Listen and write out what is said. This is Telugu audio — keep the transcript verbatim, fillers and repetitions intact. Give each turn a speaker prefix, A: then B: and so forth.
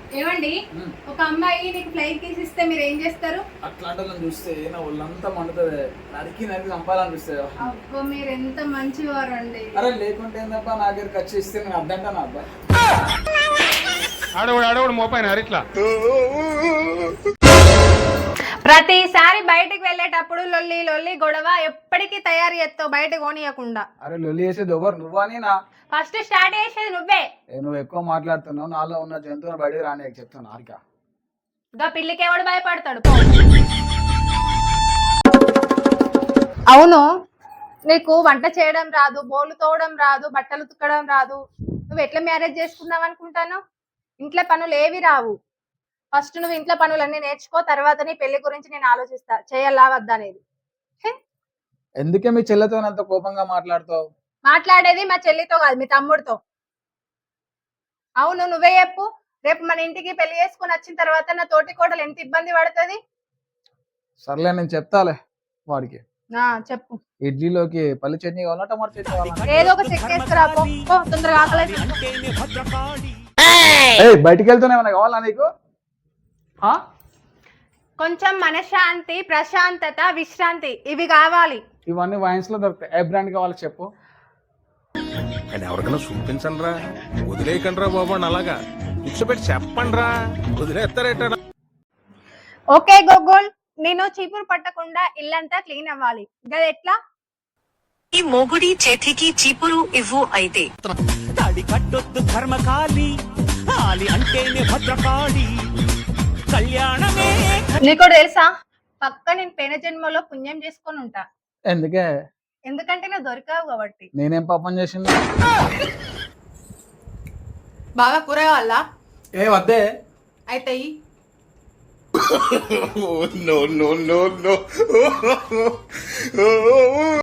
A: ఏమండి ఒక అమ్మాయి నీకు ఫ్లైట్ కేసు ఇస్తే మీరు ఏం చేస్తారు?
B: అట్లాంటి వాళ్ళని చూస్తే నా ఒళ్ళంతా మండుతుంది, నరికి నరికి చంపాలనిపిస్తుంది.
A: అబ్బో మీరు ఎంత మంచివారు అండి.
B: అరే లేకుంటే ఏందబ్బా, నా దగ్గర ఖర్చు ఇస్తే నేను అద్దంటాను అబ్బా.
C: ఆడవాడు ఆడవాడు మోపాయిన ఇట్లా
A: ప్రతిసారి బయటికి వెళ్ళేటప్పుడు లొల్లి లొల్లి గొడవ ఎప్పటికీ తయారు చేస్తావు బయటకు పోనీయకుండా.
B: అరే లొల్లి చేసేది ఎవరు, నువ్వా నేనా?
A: ఫస్ట్ స్టార్ట్ చేసేది నువ్వే.
B: నువ్వు ఎక్కువ మాట్లాడుతున్నావు, నాలో ఉన్న జంతువుని బయటకు రాని చెప్తాను. హారిక
A: ఇంకా పిల్లికి ఎవడు భయపడతాడు? అవును, నీకు వంట చేయడం రాదు, బోలు తోవడం రాదు, బట్టలు ఉతకడం రాదు, నువ్వు ఎట్లా మ్యారేజ్ చేసుకున్నావు అనుకుంటాను? ఇంట్లో పనులు ఏవి రావు. ఫస్ట్ నువ్వు ఇంట్లో పనులన్నీ నేర్చుకో, తర్వాత నీ పెళ్లి గురించి నేను ఆలోచిస్తా చేయాలా వద్దా అనేది.
B: ఎందుకే మీ చెల్లెతో అంత కోపంగా మాట్లాడుతావు?
A: మాట్లాడేది మా చెల్లితో కాదు, మీ తమ్ముడితో. అవును నువ్వే చెప్పు, రేపు మన ఇంటికి పెళ్లి చేసుకుని వచ్చిన తర్వాత నా తోటి కోడలు ఎంత ఇబ్బంది పడుతుంది?
B: సర్లే నేను చెప్తాలే వాడికి.
A: చెప్పు.
B: ఇడ్లీలోకి పల్లి చట్నీ కావాలా, టమాటా చట్నీ కావాలా?
A: ఏదో ఒక చెక్ వేసుకురా పో, తొందరగా ఆకలి.
B: బయటికి వెళ్తూనే ఏమైనా కావాలా నీకు?
A: కొంచెం మనశ్శాంతి, ప్రశాంతత, విశ్రాంతి ఇవి కావాలి.
B: ఇవన్నీ వైన్స్ లో దొరుకుతాయి. ఏ బ్రాండ్ కావాలి చెప్పు.
C: ఎవరికైనా చూపించండి రా, వదిలేయకండి రా బాబు. అలాగా కూర్చోబెట్టి చెప్పండి రా, వదిలేస్తారేట.
A: ఓకే గోగోల్, నేను చీపురు పట్టకుండా ఇల్లంతా క్లీన్ అవ్వాలి. గది ఎట్లా?
D: ఈ మొగుడి చేతికి చీపురు ఇవ్వు. అయితే
E: తాడి కట్టొద్దు ధర్మకాళి, ఆలి అంటేనే భద్రకాళి, కళ్యాణమే.
A: నీకు తెలుసా, పక్క నేను పెన జన్మలో పుణ్యం చేసుకొని ఉంటా.
B: ఎందుకే?
A: ఎందుకంటే నువ్వు దొరికావు కాబట్టి.
B: నేనేం పాపం చేసింది?
A: బాగా కూర కావాలా?
B: ఏ వద్దే.
A: అయితే
C: నో నో నో నో